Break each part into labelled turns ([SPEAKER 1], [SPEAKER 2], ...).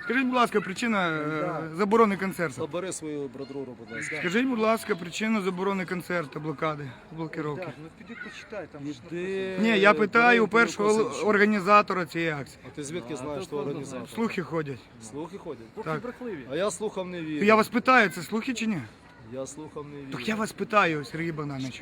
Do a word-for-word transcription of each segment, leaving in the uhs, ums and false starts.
[SPEAKER 1] Скажіть, будь ласка, причина е, заборони концерту.
[SPEAKER 2] Забери свою брадруру, будь ласка.
[SPEAKER 1] Скажіть, будь ласка, причину заборони концерту, блокади, блокировки.
[SPEAKER 3] Так, ну піди почитай, там ж
[SPEAKER 2] Іди,
[SPEAKER 1] Ні, я питаю у
[SPEAKER 2] бери
[SPEAKER 1] першого
[SPEAKER 2] Косинчика.
[SPEAKER 1] організатора цієї акції.
[SPEAKER 2] А ти звідки знаєш, що організатор?
[SPEAKER 1] Слухи ходять.
[SPEAKER 2] Слухи ходять?
[SPEAKER 1] Так.
[SPEAKER 3] брехливі.
[SPEAKER 2] А я слухав не вірю.
[SPEAKER 1] Я вас питаю, це слухи чи ні?
[SPEAKER 2] Я слухав не вірю.
[SPEAKER 1] Так я вас питаю, Сергій Богданович.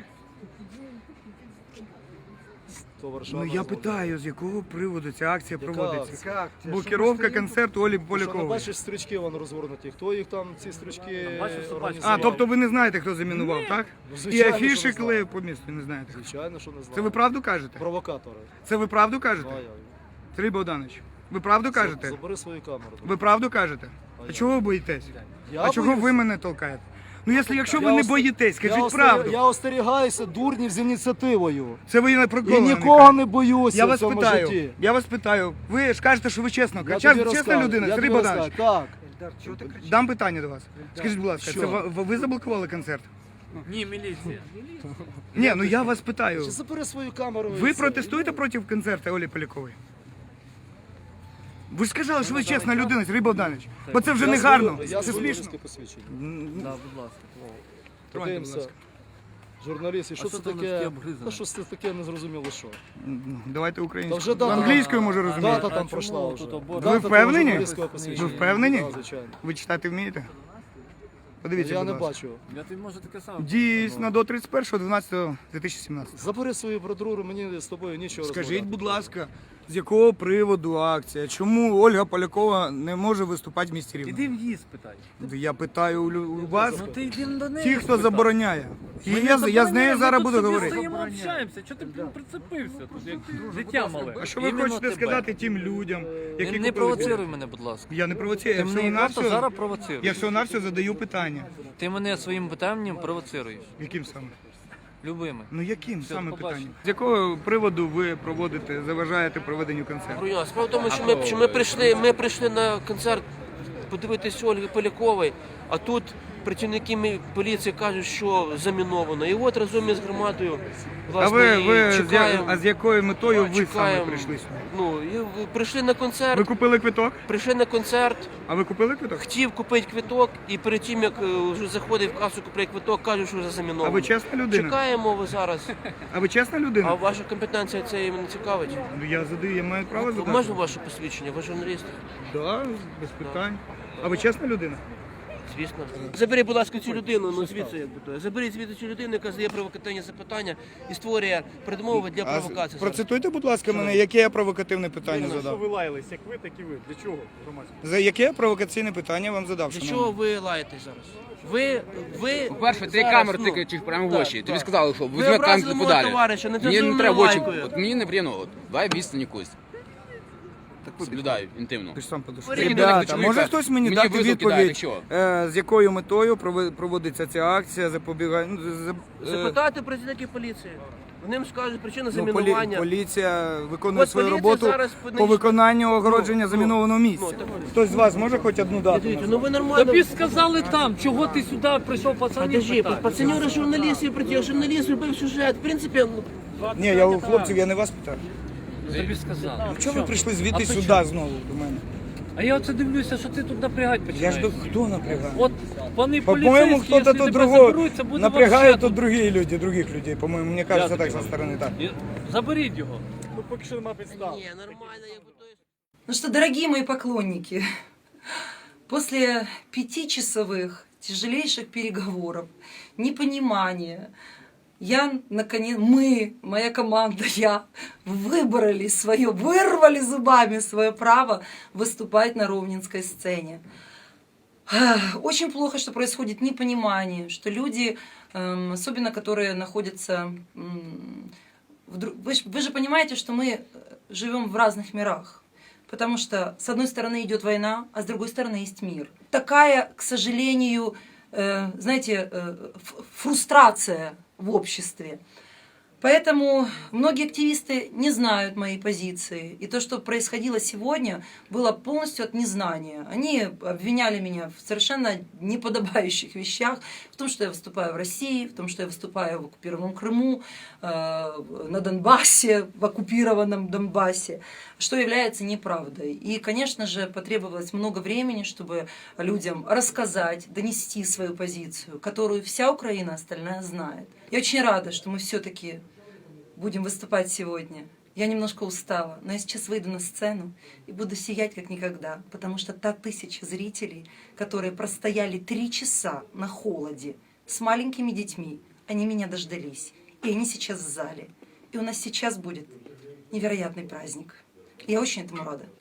[SPEAKER 2] То Варшава
[SPEAKER 1] Ну я
[SPEAKER 2] розводить.
[SPEAKER 1] питаю, з якого приводу ця акція
[SPEAKER 2] Яка
[SPEAKER 1] проводиться.
[SPEAKER 2] акція?
[SPEAKER 3] Як? Це
[SPEAKER 1] Блокировка
[SPEAKER 3] що ми
[SPEAKER 1] концерту Олі
[SPEAKER 2] Ти що, не
[SPEAKER 1] Полякової.
[SPEAKER 2] бачиш стрічки вон розгорнуті? Хто їх там, ці стрічки
[SPEAKER 3] бачиш, що
[SPEAKER 2] організував?
[SPEAKER 1] А, тобто ви не знаєте, хто замінував, так?
[SPEAKER 2] Ну,
[SPEAKER 1] І
[SPEAKER 2] звичайно, що
[SPEAKER 1] афіші
[SPEAKER 2] не знаю.
[SPEAKER 1] клею по місту, не знаєте.
[SPEAKER 2] Звичайно, що не знаю.
[SPEAKER 1] Це ви правду кажете?
[SPEAKER 2] Провокатори.
[SPEAKER 1] Це ви правду кажете?
[SPEAKER 2] Знаю.
[SPEAKER 1] Сергій Богданович, ви правду кажете?
[SPEAKER 2] Забери свою камеру.
[SPEAKER 1] Ви правду кажете? А чого ви боїтесь?
[SPEAKER 2] Я
[SPEAKER 1] А чого
[SPEAKER 2] боюсь?
[SPEAKER 1] ви мене толкаєте? Ну, якщо, якщо ви
[SPEAKER 2] Я
[SPEAKER 1] не
[SPEAKER 2] ост-
[SPEAKER 1] боїтесь,
[SPEAKER 2] я
[SPEAKER 1] скажіть
[SPEAKER 2] остеря-
[SPEAKER 1] правду.
[SPEAKER 2] Я остерігаюся дурнів з ініціативою.
[SPEAKER 1] Це ви не
[SPEAKER 2] І
[SPEAKER 1] приколи.
[SPEAKER 2] нікого не боюся
[SPEAKER 1] Я
[SPEAKER 2] в
[SPEAKER 1] вас
[SPEAKER 2] цьому
[SPEAKER 1] питаю,
[SPEAKER 2] житті.
[SPEAKER 1] я вас питаю. Ви ж кажете, що ви чесно.
[SPEAKER 2] Я
[SPEAKER 1] Хоча
[SPEAKER 2] тобі
[SPEAKER 1] чесна
[SPEAKER 2] розкажу,
[SPEAKER 1] людина,
[SPEAKER 2] я
[SPEAKER 1] Сергій
[SPEAKER 2] тобі
[SPEAKER 1] Богданович.
[SPEAKER 2] розкажу. Так.
[SPEAKER 3] Ельдар, чого ти кричиш?
[SPEAKER 1] Дам питання до вас. Скажіть, будь ласка,
[SPEAKER 2] Що?
[SPEAKER 1] це ви, ви заблокували концерт?
[SPEAKER 4] Ні, міліція.
[SPEAKER 1] Ні, ну я вас питаю.
[SPEAKER 2] Чи забери свою камеру. і
[SPEAKER 1] Ви
[SPEAKER 2] все.
[SPEAKER 1] протестуєте проти концерту Олі Полякової? Ви ж сказали, що ви чесна людина, Сергій Богданович. Бо це вже
[SPEAKER 2] Я
[SPEAKER 1] не
[SPEAKER 2] свою-
[SPEAKER 1] гарно.
[SPEAKER 2] Я
[SPEAKER 1] Це
[SPEAKER 2] свою
[SPEAKER 1] смішно.
[SPEAKER 2] військове посвідчення.
[SPEAKER 4] Да, будь ласка.
[SPEAKER 1] Троньте, будь
[SPEAKER 2] Подивимося.
[SPEAKER 1] ласка.
[SPEAKER 2] Журналіст, і що
[SPEAKER 4] А
[SPEAKER 2] це
[SPEAKER 4] що там
[SPEAKER 2] таке?
[SPEAKER 4] таке обгризане?
[SPEAKER 2] Та щось це таке незрозуміло що.
[SPEAKER 1] Ну, давайте
[SPEAKER 2] Та вже
[SPEAKER 1] українською.
[SPEAKER 2] дата-
[SPEAKER 1] Англійською може розуміти.
[SPEAKER 2] Дата
[SPEAKER 4] А
[SPEAKER 2] там
[SPEAKER 4] чому
[SPEAKER 2] пройшла
[SPEAKER 4] тут
[SPEAKER 2] вже.
[SPEAKER 4] обор-
[SPEAKER 2] Дата
[SPEAKER 1] Ви
[SPEAKER 2] того
[SPEAKER 1] впевнені?
[SPEAKER 2] журналістського посвідчення.
[SPEAKER 1] Ви впевнені?
[SPEAKER 2] Так, звичайно.
[SPEAKER 1] Ви читати вмієте? Подивіться,
[SPEAKER 2] Я
[SPEAKER 1] будь
[SPEAKER 2] не
[SPEAKER 1] ласка.
[SPEAKER 2] бачу.
[SPEAKER 4] Я тобі можу таке саме.
[SPEAKER 1] Дійсно, до тридцять першого дванадцятого дві тисячі сімнадцятого.
[SPEAKER 2] Забери свою брадруру, мені з тобою нічого
[SPEAKER 1] Скажіть,
[SPEAKER 2] розмовляти.
[SPEAKER 1] будь ласка, з якого приводу акція? Чому Ольга Полякова не може виступати в місті Рівне?
[SPEAKER 4] Іди в її спитай.
[SPEAKER 1] Я питаю у лю- у вас,
[SPEAKER 4] Ну ти йди до неї.
[SPEAKER 1] ті, хто
[SPEAKER 4] спитай.
[SPEAKER 1] забороняє. І
[SPEAKER 4] Ми
[SPEAKER 1] я,
[SPEAKER 4] не
[SPEAKER 1] з- я з
[SPEAKER 4] забороняємо,
[SPEAKER 1] нею
[SPEAKER 4] ми
[SPEAKER 1] зараз
[SPEAKER 4] тут
[SPEAKER 1] буду
[SPEAKER 4] собі
[SPEAKER 1] говорити.
[SPEAKER 4] стоїмо, общаємося. Чого ти блін, прицепився тут, як дитя мале?
[SPEAKER 1] А що ви
[SPEAKER 4] Іменно
[SPEAKER 1] хочете
[SPEAKER 4] тебе.
[SPEAKER 1] сказати тим людям, які
[SPEAKER 4] Не,
[SPEAKER 1] купили
[SPEAKER 4] не провоцируй
[SPEAKER 1] білети?
[SPEAKER 4] мене, будь ласка.
[SPEAKER 1] Я не провоцирую, я
[SPEAKER 4] Ти
[SPEAKER 1] всього
[SPEAKER 4] мене
[SPEAKER 1] на
[SPEAKER 4] просто
[SPEAKER 1] все,
[SPEAKER 4] зараз провоцируєш.
[SPEAKER 1] я всього на все задаю питання.
[SPEAKER 4] Ти мене своїм питанням провоцируєш.
[SPEAKER 1] Яким саме?
[SPEAKER 4] Любими.
[SPEAKER 1] Ну яким
[SPEAKER 4] Все,
[SPEAKER 1] саме
[SPEAKER 4] побачимо.
[SPEAKER 1] питанням? З якого приводу ви проводите, заважаєте проведенню концерту?
[SPEAKER 5] Броня, справа в тому, що ми, що ми прийшли, ми прийшли на концерт подивитися Ольги Полякової, а тут працівники мі- поліції кажуть, що заміновано. І от разом із громадою
[SPEAKER 1] А
[SPEAKER 5] власне
[SPEAKER 1] ви,
[SPEAKER 5] і
[SPEAKER 1] ви з, я-
[SPEAKER 5] чекаємо.
[SPEAKER 1] а з якою метою ви саме
[SPEAKER 5] чекаємо.
[SPEAKER 1] прийшли сюди?
[SPEAKER 5] Ну, і в- прийшли на
[SPEAKER 1] Ви
[SPEAKER 5] концерт,
[SPEAKER 1] купили квиток?
[SPEAKER 5] прийшли на концерт,
[SPEAKER 1] А ви купили квиток?
[SPEAKER 5] хотів купити квиток, і перед тим, як е, вже заходить в касу купити квиток, кажуть, що вже заміновано.
[SPEAKER 1] А ви чесна людина?
[SPEAKER 5] Чекаємо ви зараз.
[SPEAKER 1] А ви чесна
[SPEAKER 5] А
[SPEAKER 1] людина?
[SPEAKER 5] ваша компетенція це їм не цікавить?
[SPEAKER 1] Ну, я задаю, я маю право задати.
[SPEAKER 5] Можна ваше посвідчення? Ви журналіст?
[SPEAKER 1] Да, без питань. А ви чесна людина?
[SPEAKER 5] Звісно. Заберіть, будь ласка, цю людину, ну звідси як би то. Заберіть звідси цю людину, яка задає провокативні запитання і створює передмови для провокації. зараз.
[SPEAKER 1] Процитуйте, будь ласка, мене, яке я провокативне питання
[SPEAKER 3] Що
[SPEAKER 1] задав.
[SPEAKER 3] ви лаялись, як ви, так і ви. Для чого громадське?
[SPEAKER 1] За яке я провокаційне питання вам задав?
[SPEAKER 5] Для
[SPEAKER 1] шановний?
[SPEAKER 5] чого ви лаєтесь зараз? Ви, ви
[SPEAKER 6] По-перше, ти
[SPEAKER 5] зараз,
[SPEAKER 6] камеру
[SPEAKER 5] ну,
[SPEAKER 6] тикаєш прямо в
[SPEAKER 5] так,
[SPEAKER 6] очі. Тобі
[SPEAKER 5] так.
[SPEAKER 6] сказали, що
[SPEAKER 5] Ви
[SPEAKER 6] візьми
[SPEAKER 5] образили
[SPEAKER 6] камеру
[SPEAKER 5] мого
[SPEAKER 6] подалі.
[SPEAKER 5] товариша, не
[SPEAKER 6] Мені не треба в очі.
[SPEAKER 5] лайкою.
[SPEAKER 6] От мені неприємно. От, давай відстань якусь. Соблюдаю інтимно.
[SPEAKER 1] Ти ж сам подошов.
[SPEAKER 5] Перейди
[SPEAKER 6] до
[SPEAKER 1] Ребята,
[SPEAKER 6] чоловіка.
[SPEAKER 1] може хтось мені,
[SPEAKER 6] Мені
[SPEAKER 1] дати
[SPEAKER 6] визов кидають,
[SPEAKER 1] відповідь,
[SPEAKER 6] якщо.
[SPEAKER 1] е, з якою метою прови- проводиться ця акція, запобігає... Ну, за- за- е,
[SPEAKER 5] Запитайте працівників поліції. Вони скажуть причину
[SPEAKER 1] ну, полі-
[SPEAKER 5] замінування.
[SPEAKER 1] поліція виконує
[SPEAKER 5] От
[SPEAKER 1] свою
[SPEAKER 5] поліція
[SPEAKER 1] роботу
[SPEAKER 5] зараз
[SPEAKER 1] по
[SPEAKER 5] понищить-
[SPEAKER 1] виконанню огородження
[SPEAKER 5] Ну,
[SPEAKER 1] замінованого
[SPEAKER 5] ну,
[SPEAKER 1] місця.
[SPEAKER 5] ну, так от.
[SPEAKER 1] Хтось з вас може хоч одну дату?
[SPEAKER 5] Дивіться,
[SPEAKER 1] назвати?
[SPEAKER 5] ну ви нормально.
[SPEAKER 4] Тобі сказали там, чого ти сюди прийшов пацанів
[SPEAKER 5] Подожди,
[SPEAKER 4] питати.
[SPEAKER 5] пацанюри журналістів прийти, журналіст робив сюжет. В принципі, ну,
[SPEAKER 1] Ні, я у хлопців, я не вас питаю.
[SPEAKER 4] Тобі сказали.
[SPEAKER 1] Чого ви прийшли звідти
[SPEAKER 4] А
[SPEAKER 1] сюди
[SPEAKER 4] чому?
[SPEAKER 1] знову до мене?
[SPEAKER 4] А я оце дивлюся, що ти тут напрягати
[SPEAKER 1] Я
[SPEAKER 4] починаєш.
[SPEAKER 1] ж до хто напрягає?
[SPEAKER 4] От вони
[SPEAKER 1] По-моему,
[SPEAKER 4] поліцейські,
[SPEAKER 1] кто-то
[SPEAKER 4] якщо
[SPEAKER 1] тут
[SPEAKER 4] тебе
[SPEAKER 1] другого
[SPEAKER 4] заберуть, це буде
[SPEAKER 1] напрягает
[SPEAKER 4] вообще
[SPEAKER 1] тут другие люди, других людей. По-моему, мне кажется,
[SPEAKER 4] Я
[SPEAKER 1] так
[SPEAKER 4] тобі
[SPEAKER 1] со стороны так.
[SPEAKER 4] І заберіть його.
[SPEAKER 3] Ну поки що нема підстав.
[SPEAKER 5] ні, нормально, якби то.
[SPEAKER 7] Ну что, дорогие мои поклонники, после пятичасовых тяжелейших переговоров, непонимания, я, наконец, мы, моя команда, я, выбрали свое, вырвали зубами свое право выступать на ровненской сцене. Очень плохо, что происходит непонимание, что люди, эм, особенно которые находятся... м, в дру- Вы, ж- вы же понимаете, что мы живем в разных мирах. Потому что с одной стороны идет война, а с другой стороны есть мир. Такая, к сожалению, э, знаете, э, ф- фрустрация в обществе. Поэтому многие активисты не знают моей позиции. И то, что происходило сегодня, было полностью от незнания. Они обвиняли меня в совершенно неподобающих вещах, в том, что я выступаю в России, в том, что я выступаю в оккупированном Крыму, на Донбассе, в оккупированном Донбассе, что является неправдой. И, конечно же, потребовалось много времени, чтобы людям рассказать, донести свою позицию, которую вся Украина остальная знает. Я очень рада, что мы все-таки будем выступать сегодня. Я немножко устала, но я сейчас выйду на сцену и буду сиять как никогда, потому что та тысяча зрителей, которые простояли три часа на холоде с маленькими детьми, они меня дождались, и они сейчас в зале. И у нас сейчас будет невероятный праздник. Я очень этому рада.